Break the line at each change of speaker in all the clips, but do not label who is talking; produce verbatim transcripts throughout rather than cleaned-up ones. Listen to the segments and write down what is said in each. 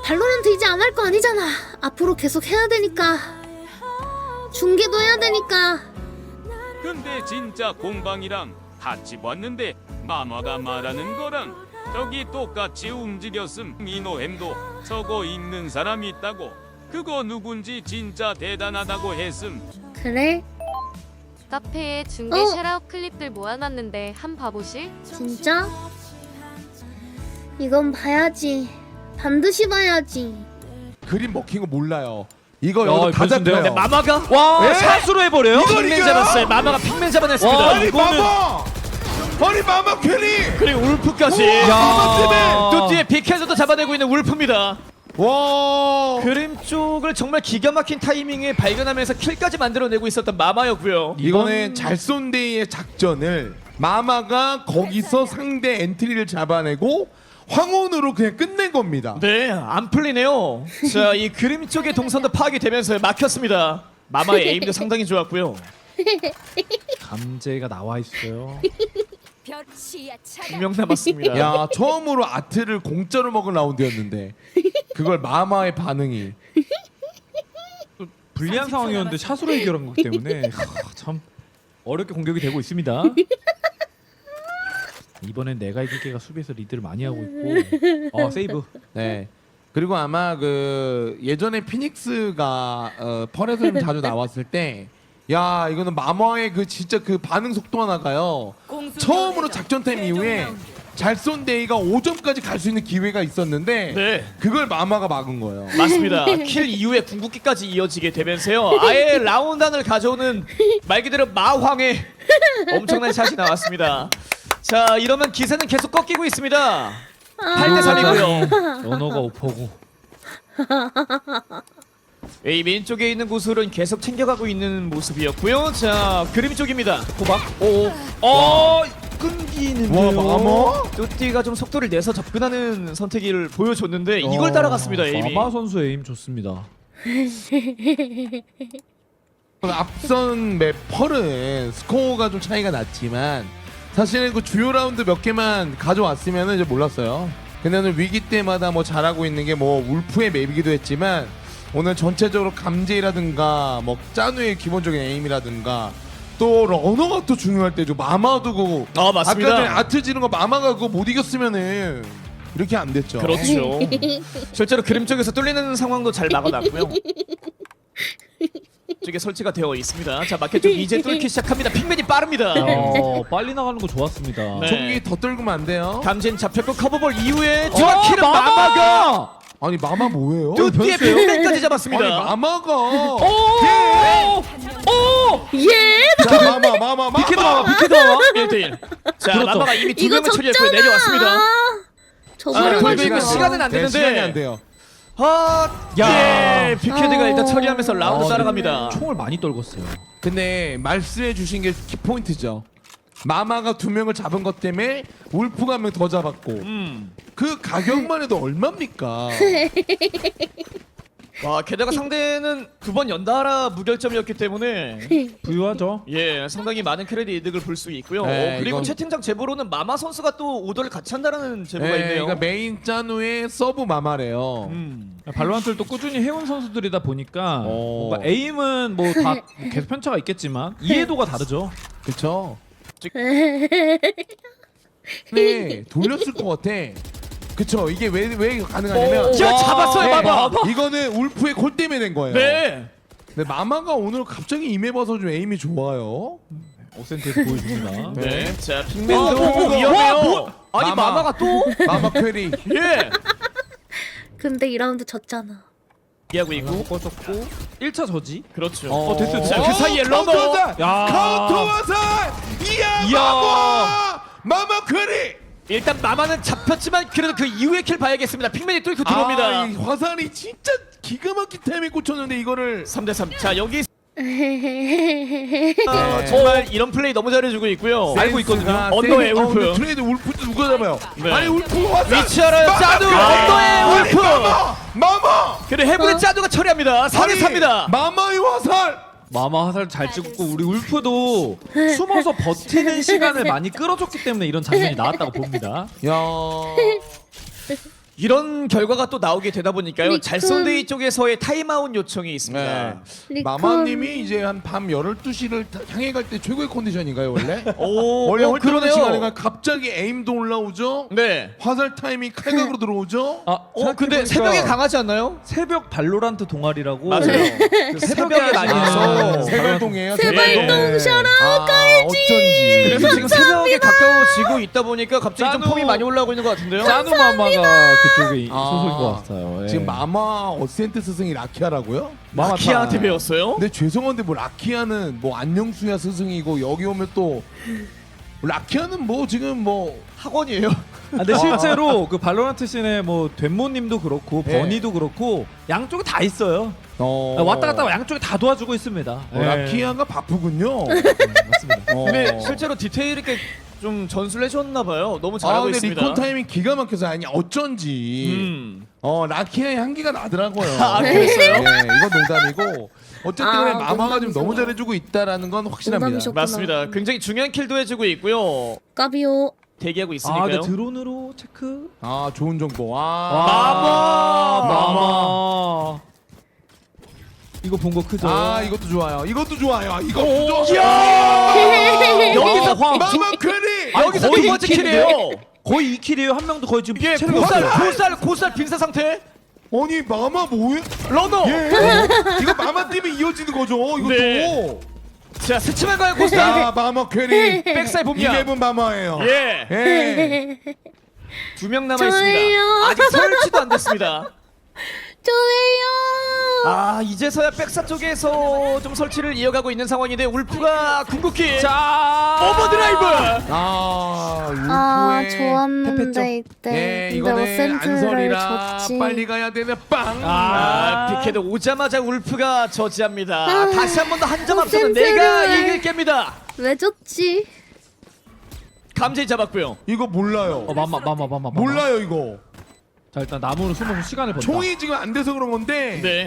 발로란트 이제 안 할 거 아니잖아. 앞으로 계속 해야 되니까. 중계도 해야 되니까.
근데 진짜 공방이랑 같이 봤는데 마마가 말하는 거랑 저기 똑같이 움직였음. 이노햄도 저거 읽는 사람이 있다고. 그거 누군지 진짜 대단하다고 했음.
그래?
카페에 중계
어?
샤라웃 클립들 모아놨는데 한 봐보실?
진짜? 이건 봐야지. 반드시 봐야지.
그림 먹힌 거 몰라요. 이거
야,
여기서 다
변수인데요?
잡혀요.
네, 마마가 와
네?
샷으로 해버려요?
이걸
핑맨
이겨요?
잡았어요. 마마가 핑맨 잡아냈습니다.
와, 아니
이거는
마마! 아니 마마 퀘리!
그리고 울프까지.
우와, 마마 때문에!
또 뒤에 빅헤즈도 잡아내고 있는 울프입니다.
와.
그림 쪽을 정말 기가 막힌 타이밍에 발견하면서 킬까지 만들어내고 있었던 마마였고요.
이거는 잘쏜데이의 작전을 마마가 거기서 상대 엔트리를 잡아내고 황혼으로 그냥 끝낸 겁니다.
네, 안 풀리네요. 자, 이 그림 쪽의 동선도 파악이 되면서 막혔습니다. 마마의 에임도 상당히 좋았고요.
감재가 나와 있어요.
두 명 남았습니다.
야, 처음으로 아트를 공짜로 먹은 라운드였는데 그걸 마마의 반응이.
불리한 상황이었는데 샷으로 해결한 거기 때문에 하, 참 어렵게 공격이 되고 있습니다. 이번엔 내가 이길게가 수비에서 리드를 많이 하고 있고 어 세이브.
네. 그리고 아마 그 예전에 피닉스가 어, 펄에서 좀 자주 나왔을 때, 야 이거는 마마의 그 진짜 그 반응 속도 하나가요. 처음으로 작전 타임 이후에 잘 쏜 데이가 오 점까지 갈 수 있는 기회가 있었는데
네.
그걸 마마가 막은 거예요.
맞습니다. 킬 이후에 궁극기까지 이어지게 되면서요. 아예 라운단을 가져오는 말 그대로 마황의 엄청난 샷이 나왔습니다. 자, 이러면 기세는 계속 꺾이고 있습니다. 팔 대 삼이고요.
언어가 오퍼고.
A 메인 쪽에 있는 구슬은 계속 챙겨가고 있는 모습이었고요. 자, 그림 쪽입니다. 호박. 오. 어, 끊기는데요.
와, 마마?
뚜띠가 좀 속도를 내서 접근하는 선택을 보여줬는데 이걸 따라갔습니다. 에이미.
마마 선수 에임 좋습니다.
앞선 맵 펄은 스코어가 좀 차이가 났지만 사실은 그 주요 라운드 몇 개만 가져왔으면 이제 몰랐어요. 근데 오늘 위기 때마다 뭐 잘하고 있는 게 뭐 울프의 맵이기도 했지만 오늘 전체적으로 감제라든가 뭐 짜누의 기본적인 에임이라든가 또 러너가 또 중요할 때죠. 마마도 그거
아, 맞습니다.
아까 전에 아트 지는 거 마마가 그거 못 이겼으면은 이렇게 안 됐죠.
그렇죠. 실제로 그림 쪽에서 뚫리는 상황도 잘 막아놨고요. 쪽에 설치가 되어 있습니다. 자, 마켓 쪽 이제 뚫기 시작합니다. 핑맨이 빠릅니다.
어, 빨리 나가는 거 좋았습니다.
네.
총기 더 떨구면 안 돼요.
감진 잡혔고 커버볼 이후에
어,
정확히는 마마가
아니 마마 뭐예요?
뚜띠의
변수예요?
핑맨까지 잡았습니다.
아니 마마가
오! 오!
예!
자, 마마 마마 마마
비키드 마마 비키드 마마 일 대 일. 자,
그렇죠.
마마가 이미 두
이거
명을 처리했고
적잖아.
내려왔습니다.
저번에
아, 돌고 있고
가지고.
시간은 안
네,
되는데.
시간이 안 돼요.
아,
야.
예, 비키드가
어.
일단 처리하면서 라운드
어,
따라갑니다.
총을 많이 떨궜어요.
근데 말씀해 주신 게 키포인트죠. 마마가 두 명을 잡은 것 때문에 울프가 한 명 더 잡았고
음.
그 가격만 해도 얼마입니까?
와, 게다가 상대는 두 번 연달아 무결점이었기 때문에
부유하죠.
예, 상당히 많은 크레딧 이득을 볼 수 있고요.
네,
어, 그리고
이건-
채팅창 제보로는 마마 선수가 또 오더를 같이 한다는 제보가
네,
있네요.
그러니까 메인 짜누의 서브 마마래요.
음.
발로란트를 또 꾸준히 해온 선수들이다 보니까
어.
뭔가 에임은 뭐 다 계속 편차가 있겠지만 이해도가 다르죠.
그렇죠. 네, 돌렸을 것 같아. 그쵸. 이게 왜 왜 가능하냐면
오, 자, 잡았어요,
네,
마마.
이거는 울프의 골 때문에 된 거예요.
네.
근데 마마가 오늘 갑자기 임해봐서 좀 에임이 좋아요.
오센트에서 보여줍니다.
네. 자,
어,
핑맨도
어, 어,
위험해요.
와, 뭐-
아니,
마마.
마마가 또?
마마 퀘리.
예.
근데 이 라운드 졌잖아.
이해하고 있고.
꺼졌고 일 차 저지.
그렇죠.
어,
어, 됐어. 자, 그 사이에
카운터
러너.
화살!
야.
카운터 화살! 이야,
이야.
마마! 마마 퀘리!
일단 마마는 잡혔지만 그래도 그 이후의 킬 봐야겠습니다. 핑맨이 뚫고 들어옵니다.
아, 이 화살이 진짜 기가 막힌 타임에 꽂혔는데 이거를
삼 대 삼. 자, 여기
네.
어, 정말 이런 플레이 너무 잘해주고 있고요.
알고 있거든요.
센스가
언더의
센스- 어,
울프.
근데 트레이드 울프도 누가 잡아요?
네.
아니 울프 화살!
위치 알아요,
마마
짜두!
퀘리!
언더의
아니,
울프!
마마! 마마!
그리고 해븐의 짜두가 처리합니다. 사 대 삼입니다.
마마의 화살!
마마 화살 잘 찍고 우리 울프도 숨어서 버티는 시간을 많이 끌어줬기 때문에 이런 장면이 나왔다고 봅니다.
야.
이런 결과가 또 나오게 되다 보니까요.
리콘.
잘손데이 쪽에서의 타임아웃 요청이 있습니다.
네.
리콘.
마마님이 이제 한 밤 열두 시를 향해 갈 때 최고의 컨디션인가요 원래?
오,
원래
어,
홀때하는
그러네요.
시간인가 갑자기 에임도 올라오죠?
네.
화살 타이밍 칼각으로 들어오죠?
아,
어, 근데
생각해보니까
새벽에 강하지 않나요?
새벽 발로란트 동아리라고
맞아요.
그 새벽에
새벽에
다니면서
아,
세발동이에요?
세발동 셔라
아, 어쩐지.
그래서 지금 새벽에 가까워지고 있다 보니까 갑자기 좀
짜누.
폼이 많이 올라오고 있는 것 같은데요.
짜누 마마가 그쪽에
아,
소속인 것 같아요. 예.
지금 마마 어센트 스승이 라키아라고요?
마마
키아한테
타-
배웠어요?
근데 죄송한데 뭐 라키아는 뭐 안녕수야 스승이고 여기 오면 또 라키아는 뭐 지금 뭐
학원이에요.
아, 근데 실제로 그 발로란트 씬에 뭐 된모님도 그렇고
네.
버니도 그렇고 양쪽에 다 있어요.
어...
아, 왔다 갔다 양쪽에 다 도와주고 있습니다.
어,
예.
라키아가 바쁘군요.
맞습니다.
어.
근데 실제로 디테일 있게 좀 전수를 해줬나 봐요. 너무
아
잘하고
근데
있습니다.
리콘 타이밍 기가 막혀서 아니 어쩐지
음.
어 라키아의 향기가 나더라고요.
아, 그랬어요?
네, 이건 농담이고 어쨌든
아,
간에 마마가 지금 너무
농담이죠.
잘해주고 있다라는 건 확실합니다.
농담이셨구나.
맞습니다. 굉장히 중요한 킬도 해주고 있고요.
까비오.
대기하고
아,
있으니까요.
근데 드론으로 체크.
아 좋은 정보. 아,
마마!
마마. 이거 본 거 크죠?
아 이것도 좋아요. 이것도 좋아요. 이것도 좋아요.
여기서
아, 황.
마마 퀘리.
아니,
여기서
거의
두 번째
이 킬인데요?
킬이에요.
거의 이 킬이에요. 한 명도 거의 지금
예,
체력이
고살,
없어요.
고살, 고살 빈사 상태.
아니 마마 뭐해?
러너.
예. 이거 마마 때문에 이어지는 거죠. 이것도.
네. 자, 스치만 가요, 고살.
자 마마 퀘리.
백사이 봅니다.
이레븐 마마예요.
예.
예.
두 명 남아
저예요.
있습니다. 아직 설치도 안 됐습니다.
저예요.
아, 이제서야 백사 쪽에서 좀 설치를 이어가고 있는 상황인데 울프가 궁극기.
자,
오버드라이브.
아 울프의
아 좋았는데 이때.
예,
근데
이거는
어센트를
안설이라
줬지.
빨리 가야 되는 빵.
아, 피케드 오자마자 울프가 저지합니다.
아,
다시 한 번 더 한 점 앞서는
어센트를.
내가 이길 겁니다.
왜 줬지?
감지 잡았고요.
이거 몰라요.
어, 마마, 마마, 마마, 마마.
몰라요 이거.
자, 일단 나무로 숨어서 시간을 번다.
총이 지금 안 돼서 그런 건데.
네.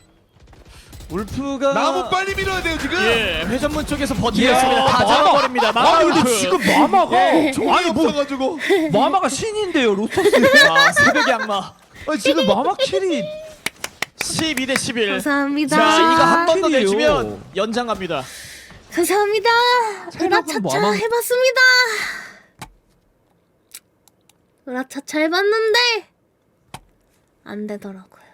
울프가
나무 빨리 밀어야 돼요 지금.
예, 회전문 쪽에서 버티고
야,
있습니다. 다
마마.
잡아버립니다. 마마
아니 근데
울프.
지금 마마가
예, 총이
아니 뭐
없어가지고.
마마가 신인데요 로터스.
아, 새벽의 악마.
아니 지금 마마 킬이
십이 대 십일.
감사합니다.
자, 이거 한 번 더
킬이에요.
내주면 연장 갑니다.
감사합니다.
체력은
으라차차
뭐 아마-
해봤습니다. 으라차차 해봤는데 안 되더라고요.